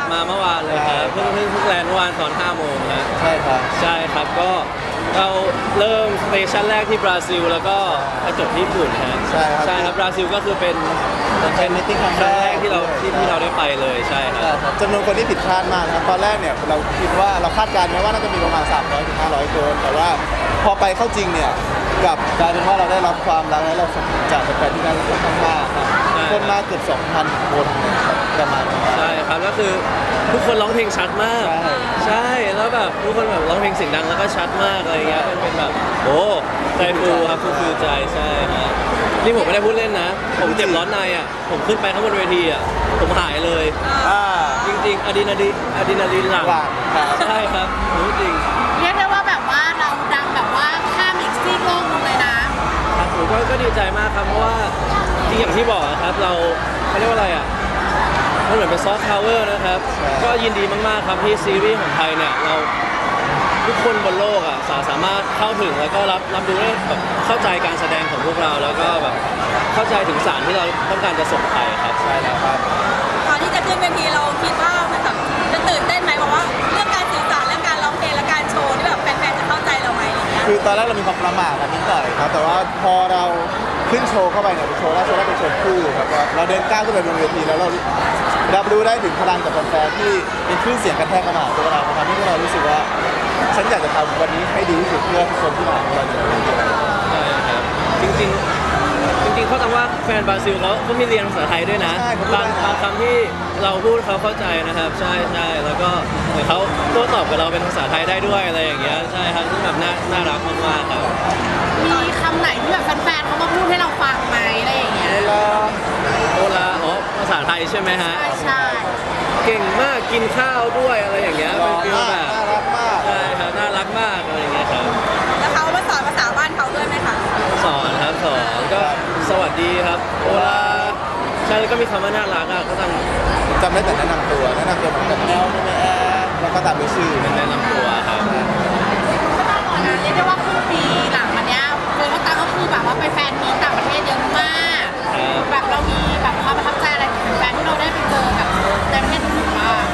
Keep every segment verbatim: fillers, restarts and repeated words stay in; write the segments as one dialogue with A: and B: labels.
A: บมาเมื่อวานเลยครับเพิ่งเพิ่งเพิ่งแลนด์เมื่อวานตอนห้าโมงครับ
B: ใช่ครับ
A: ใช่ครับก็เราเริ่มสเตชันแรกที่บราซิลแล้วก็ไปจบที่ญี่ปุ่นฮะ
B: ใช่ครับ
A: ใช่ครับบราซิลก็คือเป็น
B: เป็นมิติ้งครั้ง
A: ครั้งแร
B: แร
A: กที่เราที่ที่เราได้ไปเลยใช่ครับ
B: จำนวนคนที่ผิดคาดมากนะครับตอนแรกเนี่ยเราคิดว่าเราคาดการณ์ไว้ว่าน่าจะมีประมาณสามร้อยถึงห้าร้อยคนแต่ว่าพอไปเข้าจริงเนี่ยกลับกลายเป็นว่าเราได้รับความรักและเราสมจากแฟนๆที่นั่นค่อนข้างมากครับคนมาเกือบสองพันคนประมาณนี้
A: ใช่ครับก็คือทุกคนร้องเพลงชัดมาก
B: ใช่
A: ใช่แล้วแบบทุกคนแบบร้องเพลงเสียงดังแล้วก็ชัดมากอะไรเงี้ยมันเป็นแบบโอ้ใจฟูครับฟูฟูใจใช่ครับนี่ผมไม่ได้พูดเล่นนะ ผมเจ็บร้อนในอ่ะผมขึ้นไปข้างบนเวทีอ่ะผมหายเลย
B: อ่า
A: จริงๆอะดรีนาลีนอะดรีนาลีนหลั่ง
B: หลังครับ
A: ใช่ครับรู้จริง
C: เรียกได้ว่าแบบว่าเราดังแบบว่าข้ามอีกซีกโลกนึงเลยนะครับ
A: ผมก็ก็ดีใจมากครับเพราะว่าจริงอย่างที่บอกอะครับเราเขาเรียกว่าอะไรอ่ะมันเหมือนเป็นซอฟต์พาวเวอร์นะครับก็ยินดีมากๆครับที่ซีรีส์ของไทยเนี่ยเราทุกคนบนโลกอ่ะสาสามารถเข้าถึงแล้วก็รับรับรู้ได้แบบเข้าใจการแสดงของพวกเราแล้วก็แบบเข้าใจถึงสารที่เราต้องการจะส่งไปครับ
B: ใช่แล้วครับ
C: ตอนที่จะขึ้นเวทีเราคิดว่ามันแบบจะตื่นเต้นไหมบอกว่าเรื่องการสื่อสารเรื่องการร้องเพลงและการโชว์ที่แบบแฟนๆจะเข้าใจเราไหมอะไรเงี้ย
B: คือตอนแรกเรามีความประหม่ากันนิดหน่อยครับแต่ว่าพอเราขึ้นโชว์เข้าไปเนี่ยเป็นโชว์แรกโชว์แรกเป็นโชว์คู่ครับเราเดินก้าวขึ้นไปบนเวทีแล้วเรารับรู้ได้ถึงพลังจากแฟนๆที่เป็นคลื่นเสียงกระแทกเข้ามาตัวเราทำให้พวกเรารู้สึกว่าฉันอยากจะทำวันนี้ให้ดีที่สุดเพื่อทุกคนที่มาของเราในวันนี้
A: ใช่ครับจริงๆจริงๆเขาตามว่าแฟนบราซิลเขาเขามีเรียนภาษาไทยด้วยนะบางบางคำที่เราพูดเขาเข้าใจนะครับใช่ใช่แล้วก็เหมือนเขาโต้ตอบกับเราเป็นภาษาไทยได้ด้วยอะไรอย่างเงี้ยใช่ครับซึ่งแบบน่าน่ารักมากๆครับ
C: มีคำไหนที่แบบแฟนๆเขามาพูดให้เราฟังไหมอะไรอย่างเงี้ย
B: เวลา
A: โอลาอ๋อภาษาไทยใช่ไหมฮะ
C: ใช่ใช่
A: เก่งมากกินข้าวด้วยอะไรอย่างเงี้ยเป็นฟีลแบบ
B: น่ารักมาก
A: ใช่ครับน่ารักมากอะไรอย่างเงี้ยครับ
C: แล้วเขามาสอนภาษาบ้านเขาด้วยไหมคะ
A: สอนครับสอนก็สวัสดีครับโอลาใช่แล้วก็มีคำว่าน่ารักอ่ะก็ต้อง
B: จำได้แต่แนะนำตัวแนะนำตัวเหมือนกับแอลแม่แอร์แล้วก็ตามด้วยชื่อ
A: แนะนำตัวครับ
C: ก็ต้องบอกนะเรียกได้ว่าครึ่งปีหลังมาเนี้ยโฟกัสตังก็คือแบบว่าไปแฟนมีต่างประเทศเยอะมากแบบเรามีแบบความประทับใจอะไรของแฟนที่เราได้ไปเจอกับในประเทศอื่นบ้าง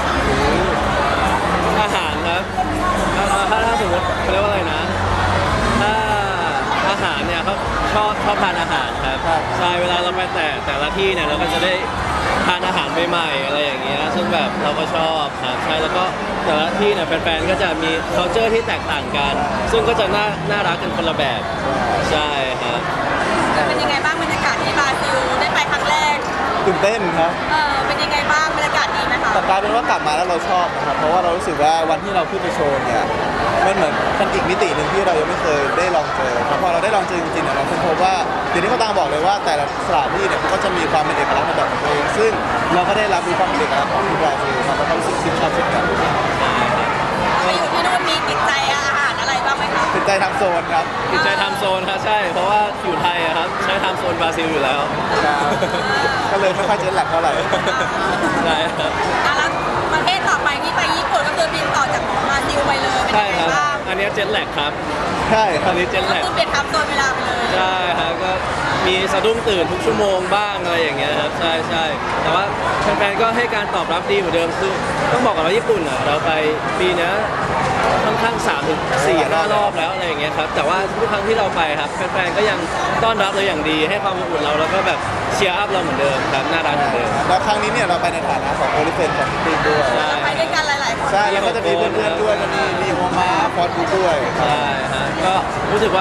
A: อาหารครับถ้าถ้าถ้าสมมติเขาเรียกว่าอะไรนะถ้าอาหารเนี่ยเขาชอบชอบทานอาหารครับใช่เวลาเราไปแต่แต่ละที่เนี่ยเราก็จะได้ทานอาหารใหม่ๆอะไรอย่างเงี้ยซึ่งแบบเราก็ชอบครับใช่แล้วก็แต่ละที่เนี่ยแฟนๆก็จะมี culture ที่แตกต่างกัน ซึ่งก็จะน่าน่ารักกันคนละแบบใช่ครับ
C: เป็นยังไงบ้างบรรยากาศที่บราซิลได้ไปครั้งแรก
B: ตื่นเต้นครับ
C: เออเป็นยังไงบ้างบรรยากาศดีไหมคะ
B: แต่กลายเป็นว่ากลับมาแล้วเราชอบนะครับเพราะว่าเรารู้สึกว่าวันที่เราขึ้นไปโชว์เนี่ยมันเหมือนเป็นอีกมิติหนึ่งที่เรายังไม่เคยได้ลองเจอแต่พอเราได้ลองเจอจริงๆเนี่ยเราค้นพบว่าเดี๋ยวนี้เขาต่างบอกเลยว่าแต่ละสถานที่เนี่ยเขาก็จะมีความเป็นเอกลักษณ์ในแบบของตัวเองซึ่งเราก็ได้รับรู้ความเป็นเอกลักษณ์ของที่บราซิลครับแล้วก็รู้สึกชื่นชอบเช่นกัน
C: ไปอยู่ที่นู่นมีติดใจอาหารอะไรบ้างไหมคะ
B: ติดใจทำโซนครับ
A: ติดใจทำโซนครับใช่เพราะว่าอยู่ไทยอะครับใช้ทำโซนบราซิลอยู่แล้ว
B: ก็เลยไม่ค่อยเจ็ตแลกเท่าไหร่
A: ใช่ครับ
C: แล้วประเทศต่อไปที่ไปญี่ปุ่นก็คือบินต่อจากบราซิลไปเลยเป็นยังไงบ้าง
A: อันนี้เจ็ตแลกครับ
B: ใช่ครั
A: อั
B: บ
A: นนี้เจ็ตแลก
C: ก็คือเปลี่ยนทับโซนเวลาไปเลย
A: ใช่ครับก็มีสะดุ้งตื่นทุกชั่วโมงบ้างอะไรอย่างเงี้ยครับใช่ใช่แต่ว่าแฟนๆก็ให้การตอบรับดีเหมือนเดิมคือต้องบอกก่อนว่าญี่ปุ่นอ่ะเราไปปีนี้ค่อนข้างสามถึงสี่ห้ารอบแล้วอะไรอย่างเงี้ยครับแต่ว่าทุกครั้งที่เราไปครับแฟนๆก็ยังต้อนรับเราอย่างดีให้ความอบอุ่นเราแล้วก็แบบเชียร์อัพเราเหมือนเดิมครับน่ารักเหมือนเดิม
B: แล้วครั้งนี้เนี่ยเราไปในฐานะของโอลิเฟนของทีมด้วย
C: ไปด้วยกันหลายๆคน
B: ใช่แล้วก็จะมีเพื่อนๆด้วยมีมีโฮมาฟอร์ดด้วย
A: ใช่ฮะก็รู้สึกว่า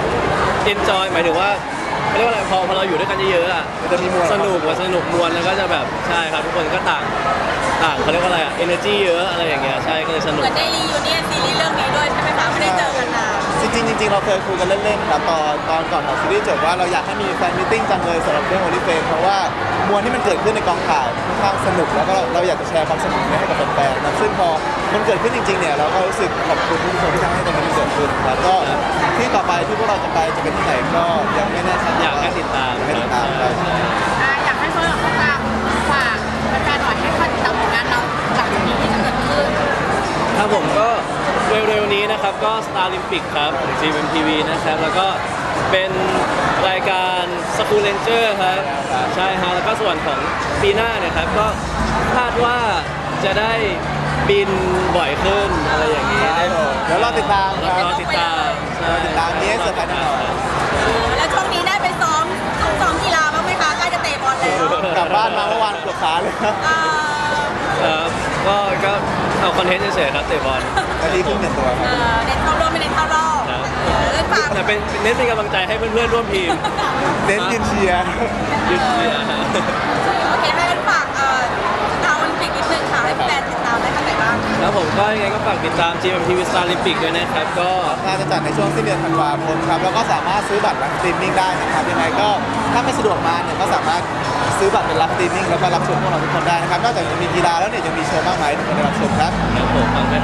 A: enjoy หมายถึงว่าเขาเรียกว่าอะไรพอพอเราอยู่ด้วยกันเยอะๆอ่ะ
B: จะมีมวล
A: สนุกว่าสนุกมวลแล้วก็จะแบบใช่ครับทุกคนก็ต่างต่างเขาเรียกว่าอะไรอ่ะ energy เยอะอะไรอย่างเงี้ยใช่ก็เลยสนุก
C: เหมือนได้รียูเนียนซีรีส์เรื่องนี้ด้วยใช่ไหมคะไม่ได้เจอกันนาน
B: จริงๆจริงๆเราเคยคุยกันเล่นๆครับตอนตอนก่อนของซีรีส์จบว่าเราอยากให้มีแฟนมิทติ้งจังเลยสำหรับเรื่องโอลิเฟนเพราะว่ามวลที่มันเกิดขึ้นในกองถ่ายค่อนข้างสนุกแล้วก็เราอยากจะแชร์ความสนุกนี้ให้กับแฟนๆนะซึ่งพอมันเกิดขึ้นจริงๆเนี่ยเราก็รู้สึกขอบคุณทุกคนที่ทำให้ตรงนี้เกิดขึ้นแล้วก็ที่ต่อไปที่พวกเราจะไปจะเป็นที่ไหนก็ยังไม่แน่ชัด
A: อยากให้ติดตาม
B: ให้ติดตามได้
C: อยากให้โซนของเขาตามฝากแฟนๆหน่อยให้คอยติดตามผลงานเราหลังจากนี้ที่จะเกิดขึ้น
A: ครับผมก็เร็วๆนี้นะครับก็ Star Olympic ครับของ จี เอ็ม ที วี นะครับแล้วก็เป็นรายการ School Ranger ครับใช่ฮะแล้วก็ส่วนของปีหน้าเนี่ยครับก็คาดว่าจะได้บินบ่อยขึ้นอะไรอย่างนี้
B: ครับผมเดี๋ยวรอติดตามค
A: ร
B: รับ
A: อติดตามใช่
B: รอติดตามนี้ให้เซอร์ไพรส์แน่นอน
C: แล้วช่วงนี้ได้ไปซ้อมซ้อมกีฬาบ้างไหมคะใกล้จะเตะบอลแล้ว
B: กลับบ้านมาเมื่อวานปวดขาเลยครับ
C: เอ่อ
A: เออก็ก็เอาคอนเทนต์เฉยๆครับเตะบอล
B: นาทีครึ่งหนึ่งตัวค
C: เอ่
B: รับ
C: อเน้นเข้ารอบไม่เน้นเข้ารอบ
A: ครับ
C: เออเล่นฝาก
A: แต่เป็นเน้นเป็นกำลังใจให้เพื่อนๆร่วมทีม
B: เน้นยืนเชียร์
A: ยืนเชียร์ฮะ
C: โอเคให้เล่นฝากเอ่อดาวโอลิมปิกนิดนึงค่ะให้แฟนติดตามได้ทางไหนบ้าง
A: แล้วผมก็ยังไงก็ฝากติดตาม จี เอ็ม ที วี Star Olympic ด้วยนะครับ ก็
B: งานจะจัดในช่วงสิ้นเดือนธันวาคมครับแล้วก็สามารถซื้อบัตรรับสตรีมมิ่งได้นะครับยังไงก็ถ้าไม่สะดวกมาเนี่ยก็สามารถซื้อบัตรเป็นรับสตรีมมิ่งแล้วก็รับชมพวกเราทุกคนได้นะครับนอกจากจะมีกีฬาแล้วเนี่ยยังมีโชว์มากมายให้ทุกคนได้รับชมครับ
A: ครับผมฝากแ